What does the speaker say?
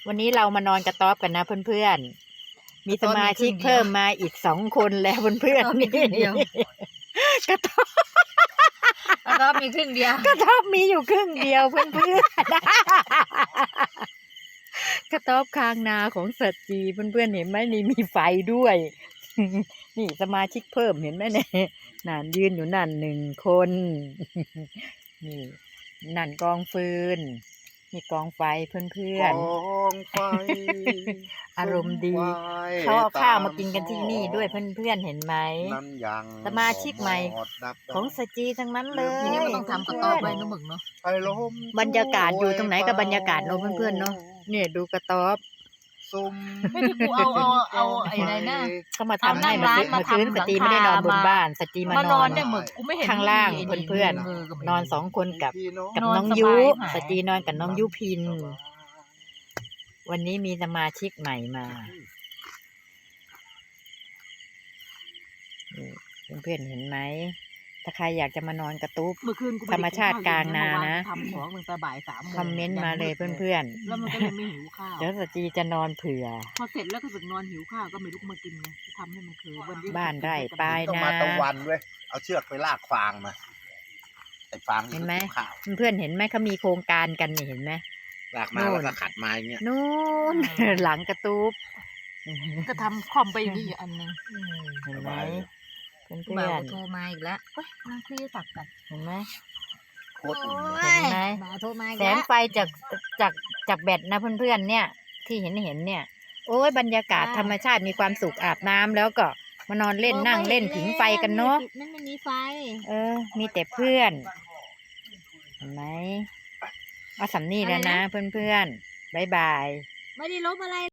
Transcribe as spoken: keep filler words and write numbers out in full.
วันนี้เรามานอนกระต๊อบกันนะเพื่อนๆมีสมาชิกเพิ่มมาอีกสองคนแล้วเพื่อนๆนี่กระต๊อบกระต๊อบมีครึ่งเดียวกระต๊อบมีอยู่ครึ่งเดียวเพื่อนๆกระต๊อบคางนาของสัตจีเพื่อนๆเห็นไหมนี่มีไฟด้วยนี่สมาชิกเพิ่มเห็นไหมเนี่ยนั่นยืนอยู่นั่นหนึ่งคนนี่นั่นกองฟืนมีกองไฟเพื่อนๆกองไฟอารมณ์ดีเขาเอาข้าวมากินกันที่นี่ด้วยเพื่อนๆเห็นไหมสมาชิกใหม่ของสจีทั้งนั้นเลยทีนี้มันต้องทำกระต๊อบไว้นะหมึกเนาะบรรยากาศอยู่ตรงไหนกับบรรยากาศเนาะเพื่อนๆเนาะเนี่ยดูกระต๊อบไม่ที่กูเอาเอาเอาไอ้ไรนะเขามาทำให้มาซื้อมาซื้อสจีไม่ได้นอนบนบ้านสจีมานอนเนี่ยหมึกกูไม่เห็นข้างล่างเพื่อนๆนอนสองคนกับกับน้องยุสจีนอนกับน้องยุพินวันนี้มีสมาชิกใหม่มาเพื่อนๆเห็นไหมถ้าใครอยากจะมานอนกระต๊อบธรรมชาติกลางนานะทำของมึงแต่บ่ายสามคอมเมนต์มาเลยเพื่อนๆแล้วมันก็เลยไม่หิวข้าวเดี๋ยวสจีจะนอนเผื่อพอเสร็จแล้วก็สึกนอนหิวข้าวก็ไม่ลุกมากินไงทำให้มันคือบ้านไร่ปลายนาต้องมาตะวันเว้ยเอาเชือกไปลากฟางมาไอ้ฟางเห็นไหมเพื่อนเห็นไหมเขามีโครงการกันนี่เห็นไหมลากมาแล้วก็ขัดไม้เงี้ยนู่นหลังกระต๊อบก็ทำคอมไปนี่อันนึงเห็นไหมเพื่อนเพื่อนโทรมาอีกแล้วเฮ้ยนั่งคุยสักกันเห็นไหมโคตรอุ่นเห็นไหมแสงไฟจากจากจากแบตนะเพื่อนๆเนี่ยที่เห็นเห็นเนี่ยโอ้ยบรรยากาศธรรมชาติมีความสุขอาบน้ำแล้วก็มานอนเล่นนั่งเล่นผิงไฟกันเนาะนั่นไม่มีไฟเออมีแต่เพื่อนเห็นไหมเอาสำนีแล้วนะเพื่อนๆบ๊ายบายไม่ได้ลบอะไร